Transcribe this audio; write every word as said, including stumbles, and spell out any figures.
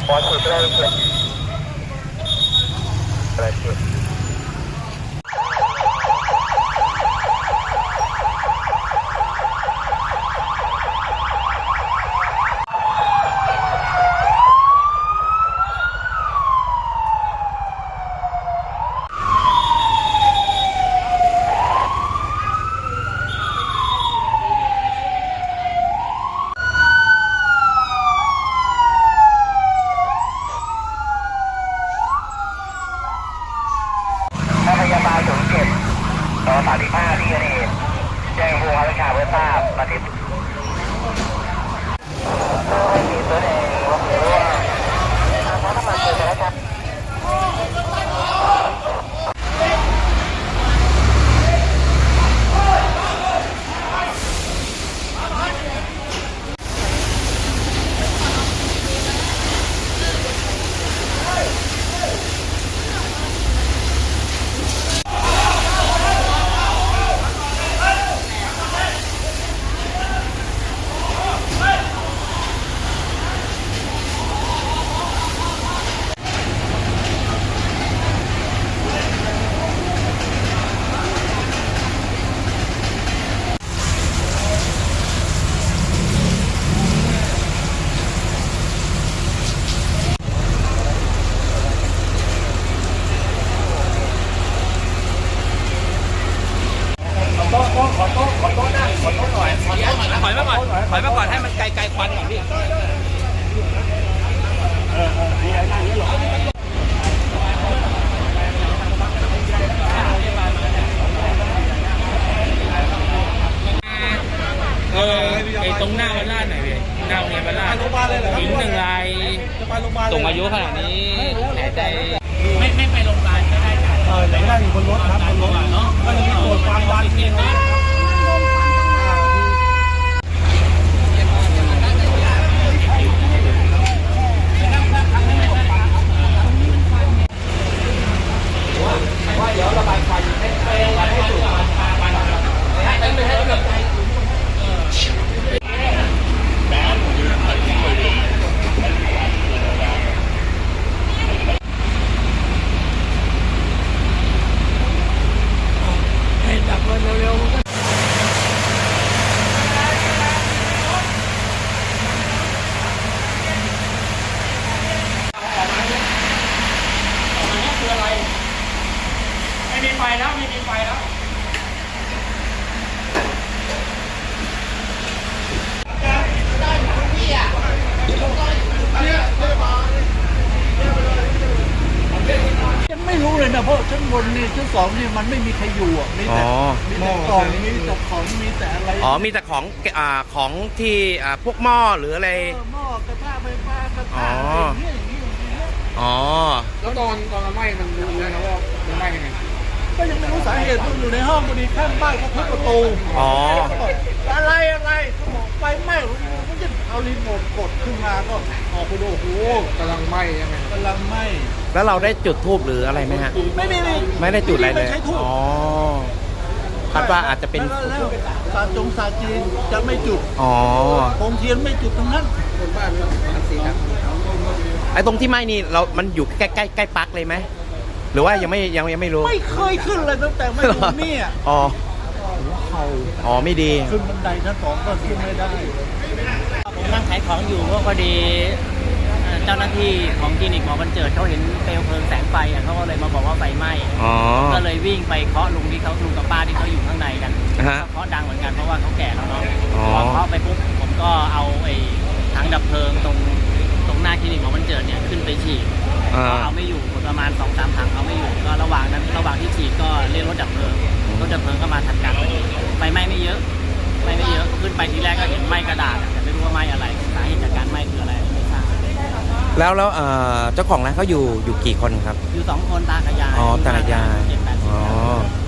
พยาบาลศูนย์เจ็ดต่อสามสิบห้าที่เกิดเหตุแจ้งผู้ว่าราชการเพื่อทราบประเด็นให้มีตัวเองว่าหรือว่าทางน้ำมันเกิดแล้วครับถอยมาก่อนถอยมาก่อนให้มันไกลๆควันก่อนพี่เออไอตรงหน้าวัดลาดหน่อยพี่หน้าโรงเรียนวัดลาดหญิงหนึ่งรายส่งอายุขนาดนี้แผลใจไม่ไม่ไปโรงพยาบาลก็ได้เออไหนได้อยู่บนรถครับบนรถเนาะก็จะมีตรวจความดันที่นี่เดี๋ยวระบายควันให้ให้ให้สูบควันควันให้ให้ให้กำลังใจให้ดับมันเร็วๆไม่มีไฟแล้วไม่มีไฟแล้วฉันไม่รู้เลยนะเพราะชั้นบนนี่ชั้นสองนี่มันไม่มีใครอยู่อ่ะมีแต่มีแต่กล่องมีแต่ของมีแต่อะไรอ๋อมีแต่ของอ่าของที่อ่าพวกหม้อหรืออะไรหม้อกระทะไฟฟ้ากระทะอะไรอย่างเงี้ยอย่างเงี้ยอ๋อแล้วตอนตอนมันไหม้มันรู้นะว่ามันไหม้ยังไงก็ยังไม่รู้สาเหตุมันอยู่ในห้องพอดีข้างบ้านเขาทุบประตูอ๋ออะไรอะไรเขาบอกไฟไหม้ก็จะเอารีโมทกดขึ้นมาก็ออกไปดูโอ้โหกำลังไหม้ยังไงกำลังไหม้แล้วเราได้จุดธูปหรืออะไรไหมฮะไม่ไม่ไม่ไม่ได้จุดอะไรเลยอ๋อคาดว่าอาจจะเป็นศาสตร์จงศาสตร์จีนจะไม่จุดอ๋อโคมเทียนไม่จุดทั้งนั้นคนบ้านมันสีครับไอ้ตรงที่ไหม้นี่เรามันอยู่ใกล้ใกล้ใกล้ปักเลยไหมหรือว่ายังไม่ยังยังไม่รู้ไม่เคยขึ้นเลยตั้งแต่มาอยู่นี่อ๋อเขาอ๋อไม่ดีขึ้นบันไดชั้นสองก็ขึ้นไม่ได้ผมนั่งขายของอยู่ก็พอดีเจ้าหน้าที่ของคลินิกหมอบรรเจิดเขาเห็นเปลวเพลิงแสงไฟเขาก็เลยมาบอกว่าไฟไหม้ก็เลยวิ่งไปเคาะลุงที่เขาลุงกับป้าที่เขาอยู่ข้างในกันเคาะดังเหมือนกันเพราะว่าเขาแก่แล้วเนาะพอเคาะไปปุ๊บผมก็เอาไอ้ถังดับเพลิงตรงตรงหน้าคลินิกหมอบรรเจิดเนี่ยขึ้นไปฉีดก็เอาไม่อยู่ประมาณสองสามถังเอาไม่อยู่ก็ระหว่างนั้นระหว่างที่ฉีดก็เรียกรถดับเพลิงรถดับเพลิงก็มาทำการไฟไหม้ไม่เยอะไม่ไม่เยอะขึ้นไปทีแรกก็เห็นไหม้กระดาษแต่ไม่รู้ว่าไหม้อะไรสาเหตุจากการไหม้คืออะไรไม่ทราบแล้วแล้วเจ้าของร้านเขาอยู่อยู่กี่คนครับอยู่สองคนตากับยายอ๋อตากับยายอ๋อ